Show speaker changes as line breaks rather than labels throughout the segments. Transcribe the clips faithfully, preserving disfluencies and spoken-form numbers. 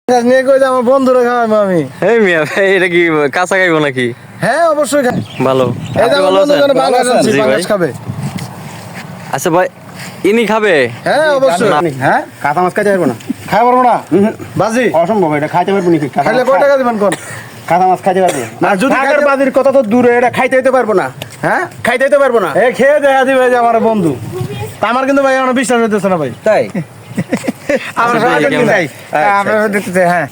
নিয়ে কই যে আমার বন্ধুরা খাওয়াবো আমি।
এই মিয়া ভাই এটা কি কাঁচা খাইবো নাকি?
হ্যাঁ অবশ্যই খাই।
ভালো।
এই যে
আপনি
আমার
ভালো আছেন?
বন্ধুরা বাংলাদেশ আনছি,
জি ভাই।
বাংলাদেশ খাবে।
আচ্ছা ভাই ইনি খাবে?
হ্যাঁ অবশ্যই।
হ্যাঁ কাঁচা মাছ খাইতে পারবো না,
খাই পারবো না বাজি?
অসম্ভব। এটা খাইতে পারবো নাকি? কাঁচা
খাইলে
মাছ
কয়
খাই-
টাকা দিবেন কোন?
কাঁচা মাছ খাইতে পারবো
না যদি
টাকার
খাইতে-
বাজির কথা তো দূরে, এটা খাইতে হইতে পারবো না।
হ্যাঁ
খাইতে হইতে পারবো না।
এ খেয়ে দেখা দিবে যে আমার বন্ধু। তা আমার কিন্তু ভাই আমার বিশ্বাস হইতেছে না ভাই।
তাই
আমরা
আচ্ছা,
সবাই
ঠিক
দেখতে
আছে।
চাই।
আচ্ছা,
আমরা
আচ্ছা।
দেখতে চাই, হ্যাঁ।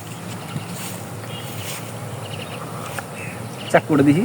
চাক করে দেখি।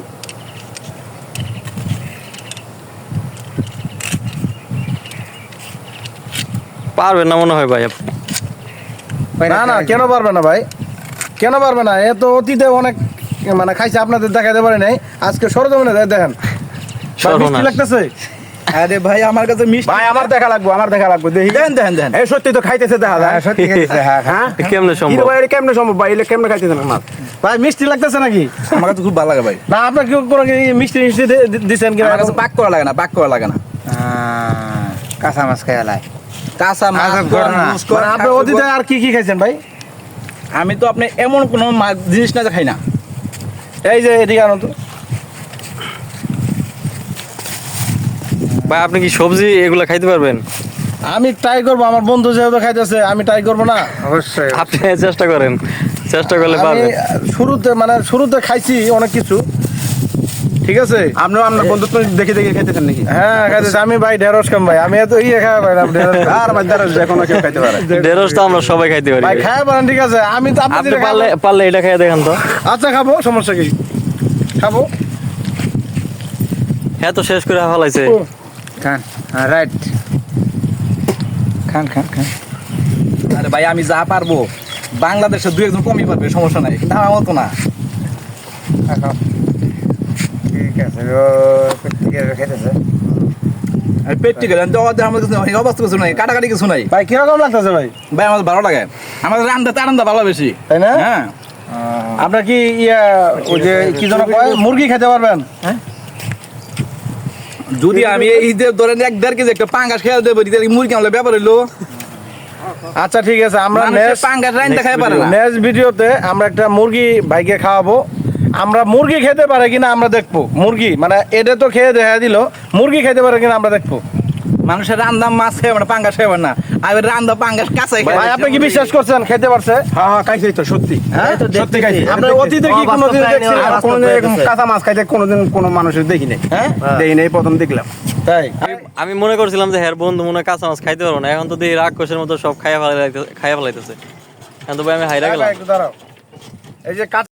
পারবেন না মনে হয় ভাই আপনি।
না না কেন পারবে না ভাই, কেন পারবে না? এ তো অতীতে অনেক মানে খাইছে, আপনাদের দেখাতে পারে নাই, আজকে সরজমিনে দেয় দেখেন। ভাই, মিষ্টি
সর্বনাশ।
লাগতেছে
আরে ভাই আমার কাছে মিষ্টি
ভাই, আমার দেখা লাগবো, আমার দেখা লাগবো, দেখি।
দেন দেন দেন।
এই সত্যি তো খাইতেছে দেখা যায়, সত্যি খাইতেছে, হ্যাঁ হ্যাঁ।
কেমনে
কি রে
সম্ভব?
ভাই, এটা কেমনে সম্ভব ভাই? এটা কেমনে খাইতেছে না মাছ?
ভাই মিষ্টি লাগতেছে নাকি?
আমার কাছে খুব ভালো লাগে ভাই।
না আপনার কি কোনো কি মিষ্টি মিষ্টি দি- দি- দিছেন কি?
আমার কাছে পাক করা লাগে না, পাক করা লাগে না।
কাঁচা মাছ খাই লাই
কাঁচা মাছ
আচ্ছা,
কর,
ঘটনা।
মুস কর,
মানে আপনি
কাকু
অতীতে
কর।
আর কি কি খাইছেন ভাই?
আমি তো আপনি এমন কোনো মাছ জিনিস না যে খাই না।
এই যে এদিকে আনো তো।
ভাই আপনি কি সবজি এগুলা খাইতে পারবেন?
আমি ট্রাই করবো, আমার বন্ধু যেহেতু খাইতেছে আমি ট্রাই করবো না?
অবশ্যই।
আপনি চেষ্টা করেন, চেষ্টা করলে
আমি
পারবেন।
শুরুতে মানে শুরুতে খাইছি অনেক কিছু, ঠিক আছে।
আপনিও আপনার বন্ধুত্ব দেখে দেখে খাইতেছেন নাকি?
হ্যাঁ খাইতেছি আমি ভাই, ঢেঁড়স খাম ভাই, আমি এত ইয়ে খাওয়া পাই না ঢেঁড়স খাই।
আর ভাই দ্বারা যে কোনো কেউ খাইতে পারে।
ঢেঁড়স তো আমরা সবাই খাইতে পারি
ভাই
ভাই।
খাওয়া পারেন, ঠিক আছে। আমি তো আপনি
আপনি
যেটা
পারলে
খাবেন-
পারলে এটা খাইয়ে দেখেন তো।
আচ্ছা খাবো, সমস্যা কি, খাবো।
হ্যাঁ তো শেষ করে ফেলাইছে।
খান রাইট, খান খান খান।
আরে ভাই আমি যা পারবো, বাংলাদেশে দু একজন কমই পারবে, সমস্যা নাই, কিন্তু আমার মতো না।
ঠিক আছে, ও প্রত্যেকের খাইতেছে।
আর পেটটি গেলেন তো আমাদের আমার কাছে এই অবস্থা কিছু নাই, কাটাকাটি কিছু নাই।
ভাই কিরকম লাগতেছে ভাই?
ভাই আমার ভালো লাগে, আমাদের রান্দা তারান্দা ভালো বেশি,
তাই না?
হ্যাঁ।
আপনার কি ইয়া ওই যে কি যেন কয়, মুরগি খেতে পারবেন?
যদি আমি এই যে ধরেন এক দেড় কেজি একটা পাঙ্গাস খেয়ে দেবো, তাহলে মুরগি আনলে ব্যাপার হইলো।
আচ্ছা ঠিক আছে, আমরা
মানুষের
নেক্সট
পাঙ্গাস রান্দা খাই পারে না।
নেক্সট ভিডিওতে আমরা একটা মুরগি ভাইকে খাওয়াবো। আমরা মুরগি খেতে পারে কিনা আমরা দেখবো। মুরগি মানে এটা তো খেয়ে দেখা দিল, মুরগি খেতে পারে কিনা আমরা দেখবো।
মানুষের রান্দা মাছ খাইবে না, পাঙ্গাস খাইবে না, আর রান্দা পাঙ্গাস কাঁচাই
ভাই আপনি কি বিশ্বাস করছেন খেতে পারছে?
হ্যাঁ হ্যাঁ খাইছি তো, সত্যি।
হ্যাঁ
সত্যি খাইছি।
আপনার অতীতে কি কোনোদিন দেখছেন?
আর কোনোদিন এরকম কাঁচা মাছ খাইতে কোনোদিন কোনো মানুষের দেখি নাই,
হ্যাঁ
দেখি নাই, প্রথম দেখলাম।
তাই
আমি- আমি মনে করছিলাম যে হ্যাঁ বন্ধু মনে হয় কাঁচা মাছ খাইতে পারবো না, এখন তো দেখি রাক্ষসের মতো সব খাইয়া ফেলাইতে খাইয়া ফেলাইতেছে। এখন তো ভাই আমি হাইরা গেলাম।
একটু দাঁড়াও, এই যে